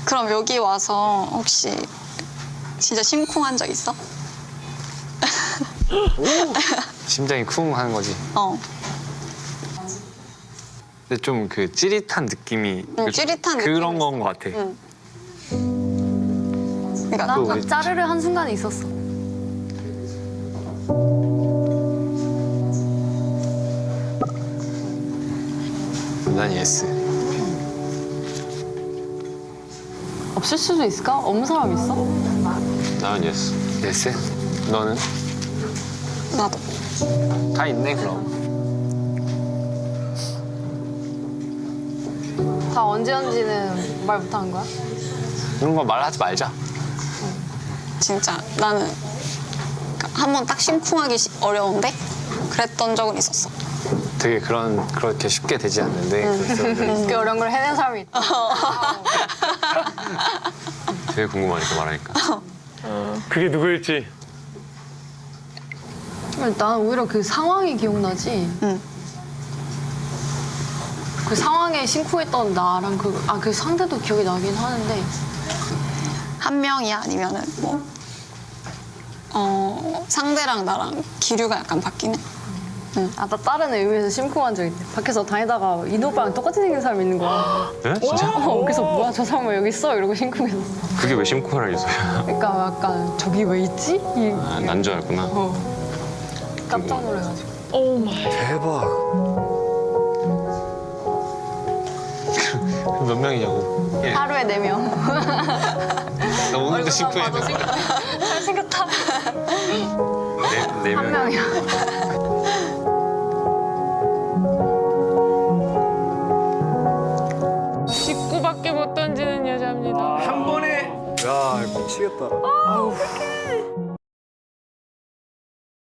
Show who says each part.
Speaker 1: 그럼 여기 와서 혹시 진짜 심쿵한 적 있어?
Speaker 2: 심장이 쿵 하는 거지.
Speaker 1: 어.
Speaker 2: 근데 좀 그 찌릿한 느낌이
Speaker 1: 찌릿한
Speaker 2: 그런
Speaker 1: 느낌이
Speaker 2: 건 것 같아.
Speaker 1: 응. 그러니까
Speaker 3: 난
Speaker 2: 우리-
Speaker 3: 막 짜르르 한 순간에 있었어.
Speaker 2: 난 예스.
Speaker 3: 없을 수도 있을까? 없는 사람 있어?
Speaker 2: 나는 예스. 예스? 너는?
Speaker 1: 나도.
Speaker 2: 다 있네 그럼.
Speaker 3: 다 언제인지는 말 못하는 거야?
Speaker 2: 그런 거 말하지 말자.
Speaker 1: 진짜 나는 한 번 딱 심쿵하기 어려운데 그랬던 적은 있었어.
Speaker 2: 되게 그렇게 쉽게 되지 않는데 그래서
Speaker 3: 그 어려운 걸 해낸 사람이 있다.
Speaker 2: 되게 궁금하니까 말하니까.
Speaker 4: 그게 누구일지.
Speaker 3: 난 오히려 그 상황이 기억나지.
Speaker 1: 응.
Speaker 3: 그 상황에 심쿵했던 나랑 그 상대도 기억이 나긴 하는데.
Speaker 1: 한 명이야 아니면은 뭐 상대랑 나랑 기류가 약간 바뀌네.
Speaker 3: 나 다른 의미에서 심쿵한 적 있대. 밖에서 다니다가 이노 오빠랑 똑같이 생긴 사람이 있는 거야.
Speaker 2: 네? 진짜?
Speaker 3: 그래서 뭐야 저 사람 왜 여기 있어? 이러고 심쿵했어.
Speaker 2: 그게 왜 심쿵하라 요소야?
Speaker 3: 그러니까 약간 저기 왜 있지?
Speaker 2: 난 줄 알구나.
Speaker 3: 깜짝 놀라가지고.
Speaker 5: 대박.
Speaker 2: 몇 명이냐고? 예.
Speaker 3: 하루에 4명.
Speaker 2: 나 오늘도 심쿵했는데.
Speaker 3: 잘생겼다.
Speaker 2: 네
Speaker 3: 한
Speaker 2: 명.
Speaker 3: 명이야.
Speaker 4: 직구밖에 못 던지는 여자입니다.
Speaker 5: 한 번에. 야, 미치겠다.
Speaker 4: 어떡해.